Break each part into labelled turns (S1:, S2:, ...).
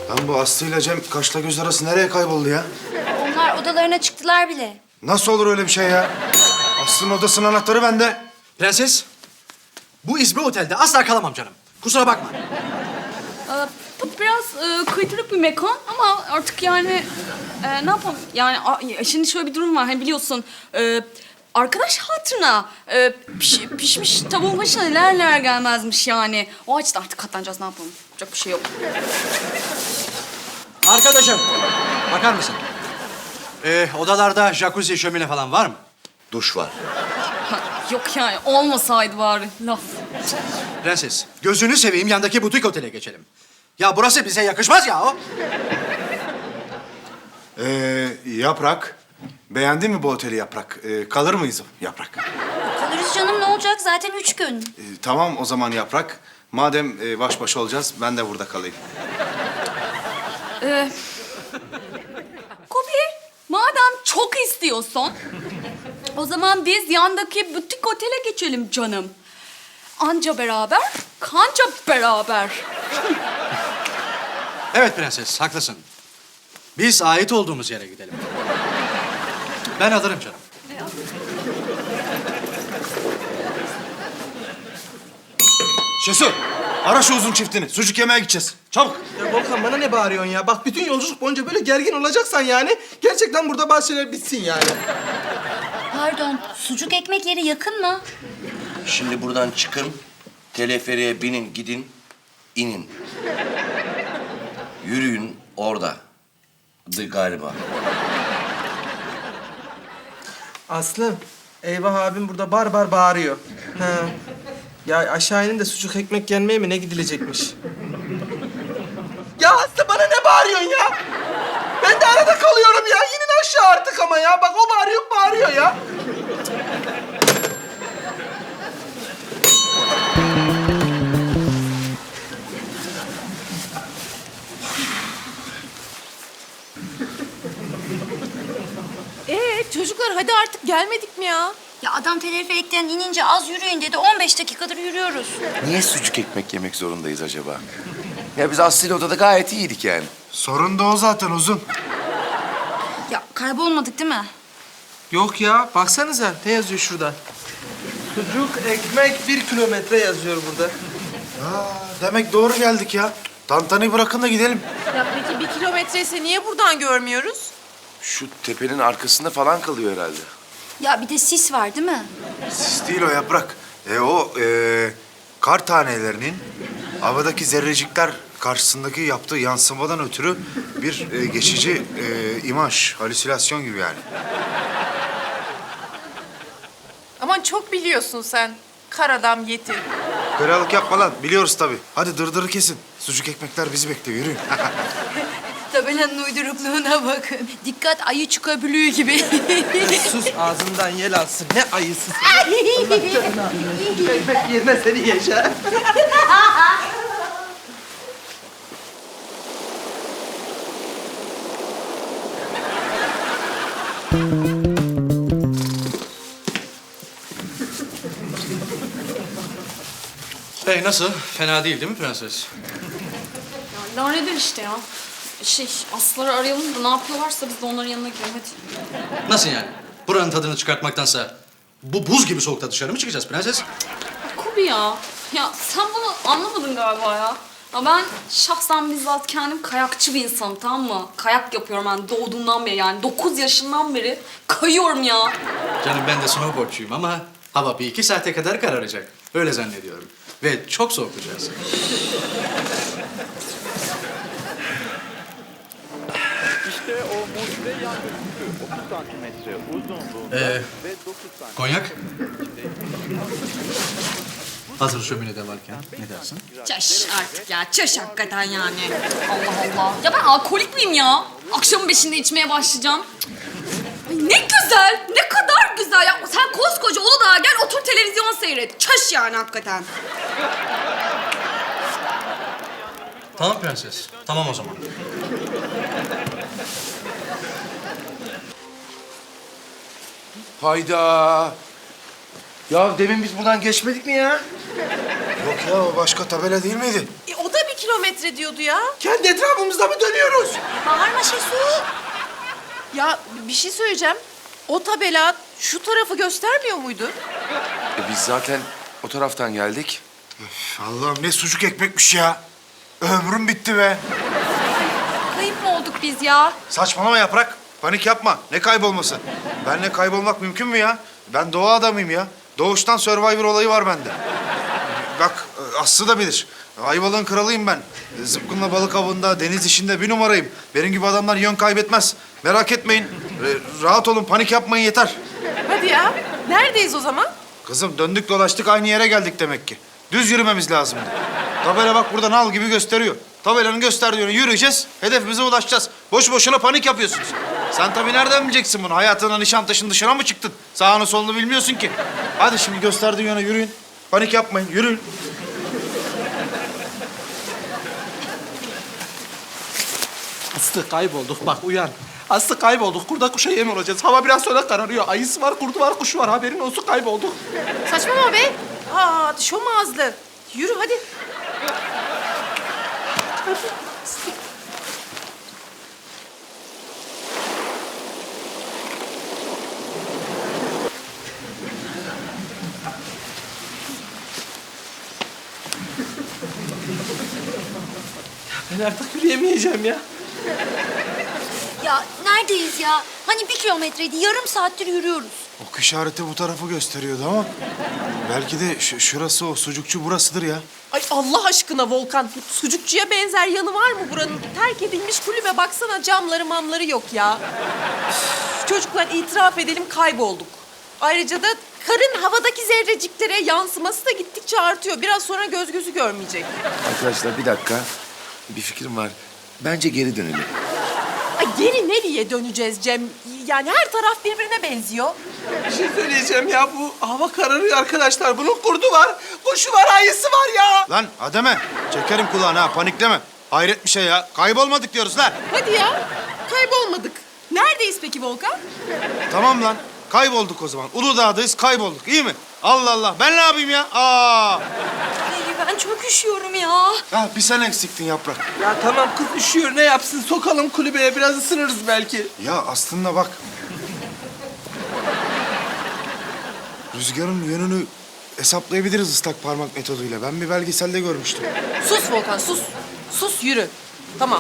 S1: Lan bu Aslı ile Cem kaşla göz arası nereye kayboldu ya?
S2: Onlar odalarına çıktılar bile.
S1: Nasıl olur öyle bir şey ya? Aslı'nın odasının anahtarı bende.
S3: Prenses, bu İzmir Otel'de asla kalamam canım. Kusura bakma.
S4: Bu biraz kıytırık bir mekan ama artık yani ne yapalım? Yani şimdi şöyle bir durum var hani biliyorsun. Arkadaş hatırına pişmiş tavuğun başına neler gelmezmiş yani. O açıdan artık katlanacağız ne yapalım? Yapacak bir şey yok.
S3: Arkadaşım, bakar mısın? Odalarda jacuzzi, şömine falan var mı?
S5: Duş var.
S4: Yok yani olmasaydı bari laf.
S3: Prenses, gözünü seveyim yandaki butik otele geçelim. Ya burası bize yakışmaz ya o.
S1: Yaprak. Beğendin mi bu oteli Yaprak? Kalır mıyız Yaprak?
S2: Kalırız canım, ne olacak? Zaten 3 gün.
S1: Tamam o zaman Yaprak. Madem baş başa olacağız ben de burada kalayım.
S4: Kobi, madem çok istiyorsun, o zaman biz yandaki butik otele geçelim canım. Anca beraber, kanca beraber.
S3: Evet prenses, haklısın. Biz ait olduğumuz yere gidelim. Ben alırım canım.
S1: Şesu, ara şu uzun çiftini. Sucuk yemeye gideceğiz. Çabuk.
S6: Ya Volkan bana ne bağırıyorsun ya? Bak bütün yolculuk boyunca böyle gergin olacaksan yani gerçekten burada bazı şeyler bitsin yani.
S2: Pardon, sucuk ekmek yeri yakın mı?
S5: Şimdi buradan çıkın, teleferiğe binin, gidin, inin. Yürüyün orada. Galiba.
S6: Aslı, eyvah abim burada bar bar bağırıyor. Ha. Ya aşağı inin de sucuk ekmek yenmeye mi ne gidilecekmiş? Ya Aslı bana ne bağırıyorsun ya? Ben de arada kalıyorum ya. İnin aşağı artık ama ya. Bak o bağırıyor ya.
S7: Çocuklar hadi artık gelmedik mi ya?
S2: Ya adam teleferikten inince az yürüyün dedi. 15 dakikadır yürüyoruz.
S5: Niye sucuk ekmek yemek zorundayız acaba? Ya biz Aslı'yla odada gayet iyiydik yani.
S1: Sorun da o zaten uzun.
S2: Ya kaybolmadık değil mi?
S6: Yok ya. Baksanıza ne yazıyor şurada? Sucuk ekmek 1 kilometre yazıyor burada.
S1: Demek doğru geldik ya. Tantanayı bırakın da gidelim.
S7: Ya peki 1 kilometre ise niye buradan görmüyoruz?
S5: Şu tepenin arkasında falan kalıyor herhalde.
S2: Ya bir de sis var değil mi?
S1: Sis değil o Yaprak. O kar tanelerinin havadaki zerrecikler karşısındaki yaptığı yansımadan ötürü bir geçici imaj, halüsinasyon gibi yani.
S7: Aman çok biliyorsun sen. Kar adam yeti.
S1: Karalık yapma lan. Biliyoruz tabii. Hadi dırdırı kesin. Sucuk ekmekler bizi bekliyor. Yürüyün.
S2: Tabelanın uydurukluğuna bakın. Dikkat, ayı çıkabiliyor gibi.
S6: Sus ağzından yel alsın. Ne ayısı sen. Allah canını alsın. Sucuk ekmek yerine seni yaşa.
S3: Nasıl? Fena değil mi prenses?
S4: Ya laneler işte ya. Aslıları arayalım da ne yapıyorlarsa biz de onların yanına gidelim hadi.
S3: Nasıl yani? Buranın tadını çıkartmaktansa bu buz gibi soğukta dışarı mı çıkacağız prenses?
S4: Kobi ya. Ya sen bunu anlamadın galiba ya. Ya ben şahsen bizzat kendim kayakçı bir insanım tamam mı? Kayak yapıyorum ben doğduğumdan beri yani 9 yaşından beri kayıyorum ya.
S3: Canım ben de snowboardçuyum ama hava 1-2 saate kadar kararacak. Öyle zannediyorum. Ve çok soğukacağız.
S8: İşte o mucize yangın tüpü 30 santimetre uzunluğunda ve 9 santimetre
S3: Konyak? Hazır şöminede varken ne dersin?
S4: Çaş artık ya çaş hakikaten yani. Allah Allah. Ya ben alkolik miyim ya? Akşamın 5'inde içmeye başlayacağım. Ay ne güzel, ne kadar güzel. Ya sen koskoca Uludağ'a gel otur televizyon seyret. Çaş yani hakikaten.
S3: Tamam prenses. Tamam o zaman.
S5: Hayda. Ya demin biz buradan geçmedik mi ya?
S1: Yok ya o başka tabela değil miydi?
S7: O da 1 kilometre diyordu ya.
S6: Kendi etrafımızda mı dönüyoruz?
S2: Bağırma Şesu.
S7: Ya bir şey söyleyeceğim. O tabela şu tarafı göstermiyor muydu?
S5: Biz zaten o taraftan geldik.
S1: Allah'ım ne sucuk ekmekmiş ya. Ömrüm bitti be.
S4: Kayıp mı olduk biz ya?
S1: Saçmalama Yaprak. Panik yapma. Ne kaybolması? Benle kaybolmak mümkün mü ya? Ben doğa adamıyım ya. Doğuştan Survivor olayı var bende. Bak Aslı da bilir. Ayvalık'ın kralıyım ben. Zıpkınla balık avında, deniz işinde bir numarayım. Benim gibi adamlar yön kaybetmez. Merak etmeyin. Rahat olun, panik yapmayın yeter.
S7: Hadi ya. Neredeyiz o zaman?
S1: Kızım döndük dolaştık aynı yere geldik demek ki. Düz yürümemiz lazımdı. Tabela bak burada nal gibi gösteriyor. Tabelanın gösterdiği yöne yürüyeceğiz, hedefimize ulaşacağız. Boş boşuna panik yapıyorsunuz. Sen tabii nereden bileceksin bunu? Hayatına Nişantaşı'nın dışına mı çıktın? Sağını solunu bilmiyorsun ki. Hadi şimdi gösterdiği yöne yürüyün. Panik yapmayın, yürüyün.
S6: Aslı kaybolduk bak uyan. Aslı kaybolduk. Kurda kuşa yem olacağız. Hava biraz sonra kararıyor. Ayısı var, kurdu var, kuşu var. Haberin olsun kaybolduk.
S7: Saçmalama be. Aa, şom ağızlı. Yürü hadi.
S6: Ben artık yürüyemeyeceğim ya.
S2: Ya neredeyiz ya? Hani 1 kilometreydi, yarım saattir yürüyoruz.
S1: Ok işareti bu tarafı gösteriyordu ama... belki de şurası o, sucukçu burasıdır ya.
S7: Ay Allah aşkına Volkan. Sucukçuya benzer yanı var mı buranın? Terk edilmiş kulübe baksana, camları mamları yok ya. Üf, çocuklar itiraf edelim, kaybolduk. Ayrıca da karın havadaki zerreciklere yansıması da gittikçe artıyor. Biraz sonra göz gözü görmeyecek.
S5: Arkadaşlar bir dakika. Bir fikrim var. Bence geri dönelim.
S7: Ay geri nereye döneceğiz Cem? Yani her taraf birbirine benziyor.
S6: Bir şey söyleyeceğim ya. Bu hava kararıyor arkadaşlar. Bunun kurdu var, kuşu var, ayısı var ya.
S1: Lan Ademe, çekerim kulağını ha, panikleme. Hayret bir şey ya, kaybolmadık diyoruz lan.
S7: Hadi ya, kaybolmadık. Neredeyiz peki Volkan?
S1: Tamam lan, kaybolduk o zaman. Uludağ'dayız, kaybolduk, iyi mi? Allah Allah, ben ne yapayım ya? Aa!
S2: Ay, ben çok üşüyorum ya.
S1: Ha, bir sen eksiktin Yaprak.
S6: Ya tamam kız üşüyor. Ne yapsın? Sokalım kulübeye. Biraz ısınırız belki.
S1: Ya aslında bak. Rüzgarın yönünü hesaplayabiliriz ıslak parmak metoduyla. Ben bir belgeselde görmüştüm.
S7: Sus Volkan, sus. Sus, yürü. Tamam.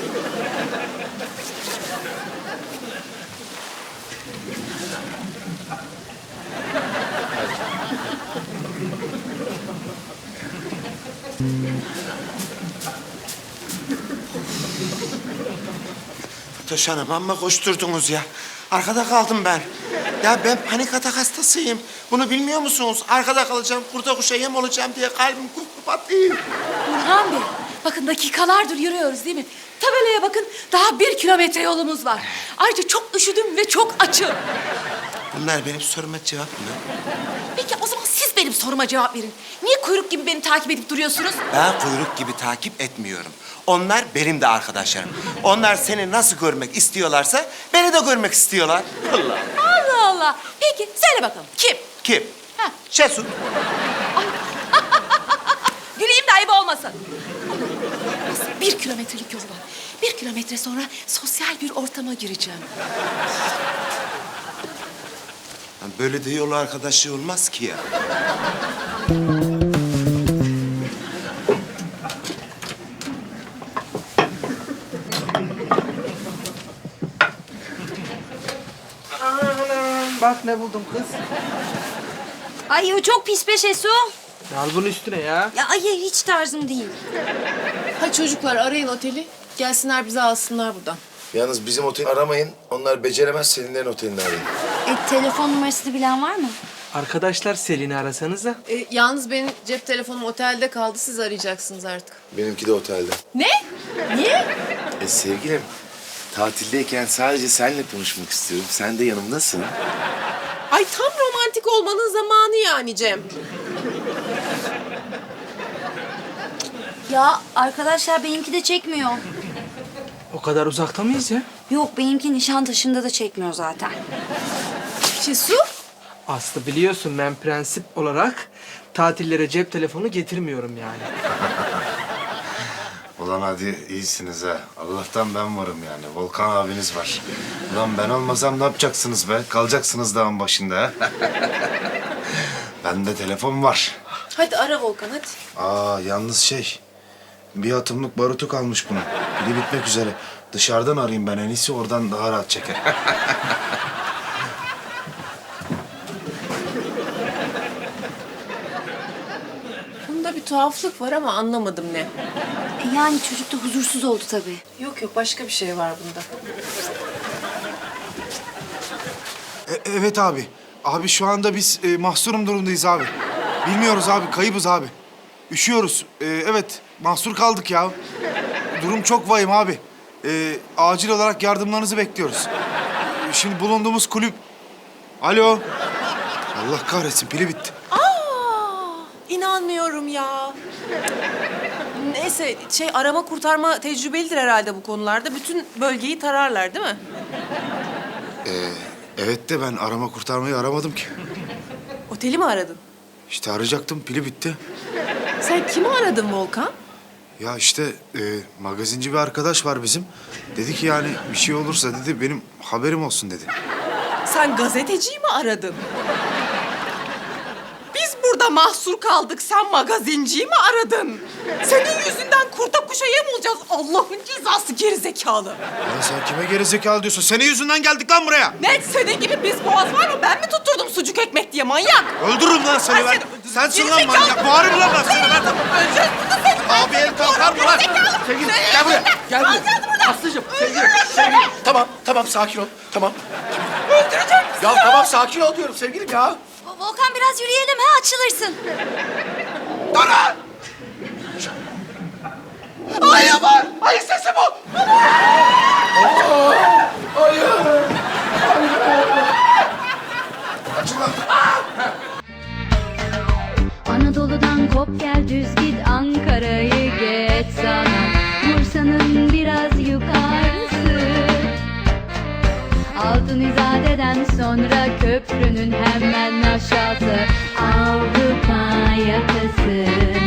S9: Fatoş Hanım amma koşturdunuz ya. Arkada kaldım ben. Ya ben panik atak hastasıyım. Bunu bilmiyor musunuz? Arkada kalacağım, kurda kuşa yem olacağım diye kalbim kup patlıyor.
S10: Burhan Bey, bakın dakikalardır yürüyoruz değil mi? Tabelaya bakın, daha 1 kilometre yolumuz var. Ayrıca çok üşüdüm ve çok açım.
S9: Bunlar benim soruma cevap mı?
S10: Peki o zaman siz benim soruma cevap verin. Niye kuyruk gibi beni takip edip duruyorsunuz?
S9: Ben kuyruk gibi takip etmiyorum. Onlar benim de arkadaşlarım. Onlar seni nasıl görmek istiyorlarsa beni de görmek istiyorlar. Allah.
S10: Allah Allah. Peki söyle bakalım, kim?
S9: Kim?
S10: Ha.
S9: Şesu.
S10: Güleyim de ayıp olmasın. 1 kilometrelik yol var. 1 kilometre sonra sosyal bir ortama gireceğim.
S9: Böyle de yol arkadaşı olmaz ki ya.
S6: Bak ne buldum kız.
S2: Ay o çok pis be Şesu.
S6: Al bunu üstüne ya.
S2: Ya ay hiç tarzım değil.
S7: Hadi çocuklar arayın oteli. Gelsinler bizi alsınlar buradan.
S5: Yalnız bizim oteli aramayın. Onlar beceremez. Selinlerin otelini arayın.
S2: Telefon numarasını bilen var mı?
S6: Arkadaşlar Selin'i arasanıza.
S7: Yalnız benim cep telefonum otelde kaldı. Siz arayacaksınız artık.
S5: Benimki de otelde.
S7: Ne? Niye?
S5: Sevgilim, tatildeyken sadece seninle konuşmak istiyorum. Sen de yanımdasın.
S7: Ay tam romantik olmanın zamanı yani Cem.
S2: Ya arkadaşlar benimki de çekmiyor.
S6: O kadar uzakta mıyız ya?
S2: Yok benimki Nişantaşı'nda da çekmiyor zaten.
S7: Şesu?
S6: Aslı biliyorsun ben prensip olarak tatillere cep telefonu getirmiyorum yani.
S1: Ulan hadi iyisiniz ha. Allah'tan ben varım yani. Volkan abiniz var. Ulan ben olmasam ne yapacaksınız be? Kalacaksınız dağın başında ha. Bende telefon var.
S7: Hadi ara Volkan hadi.
S1: Yalnız bir atımlık barutu kalmış bunun. Pili bitmek üzere. Dışarıdan arayayım ben en iyisi, oradan daha rahat çeker.
S7: Bunda bir tuhaflık var ama anlamadım ne.
S2: Yani çocuk da huzursuz oldu tabii.
S7: Yok yok başka bir şey var bunda.
S1: Evet abi. Abi şu anda biz mahsurum durumdayız abi. Bilmiyoruz abi, kaybız abi. Üşüyoruz. Evet, mahsur kaldık ya. Durum çok vahim abi. Acil olarak yardımlarınızı bekliyoruz. Şimdi bulunduğumuz kulüp... Alo. Allah kahretsin, pili bitti.
S7: İnanmıyorum ya. Neyse arama kurtarma tecrübelidir herhalde bu konularda. Bütün bölgeyi tararlar değil mi?
S1: Evet de ben arama kurtarmayı aramadım ki.
S7: Oteli mi aradın?
S1: İşte arayacaktım, pili bitti.
S7: Sen kimi aradın Volkan?
S1: Ya işte magazinci bir arkadaş var bizim. Dedi ki yani bir şey olursa dedi benim haberim olsun dedi.
S7: Sen gazeteciyi mi aradın? Biz burada mahsur kaldık. Sen magazinciyi mi aradın? Senin yüzünden kurta kuşa yem olacağız. Allah'ın cezası gerizekalı.
S1: Ya sen kime gerizekalı diyorsun? Senin yüzünden geldik lan buraya.
S7: Ne? Senin gibi biz boğaz var mı? Ben mi tutturdum sucuk ekmek diye manyak?
S1: Öldürürüm lan seni ben. Sensin lan manyak. Bağırırım lan ben seni ben.
S7: Öleceğiz burada seni.
S1: Abi el kalkar mı lan?
S6: Sevgilim gel buraya. Gel buraya. Aslıcığım sevgilim. Tamam sakin ol. Tamam.
S7: Öldüreceğim.
S6: Ya tamam sakin ol diyorum sevgilim ya.
S2: Volkan biraz yürüyelim ha, açılırsın.
S6: Ayı var. Ayı sesi bu.
S11: Anadolu'dan kop gel düz git, Ankara'yı geç sana, Bursa'nın biraz yukarısı. Altın İzade'den sonra köprünün hemen aşağısı, Avrupa yakası.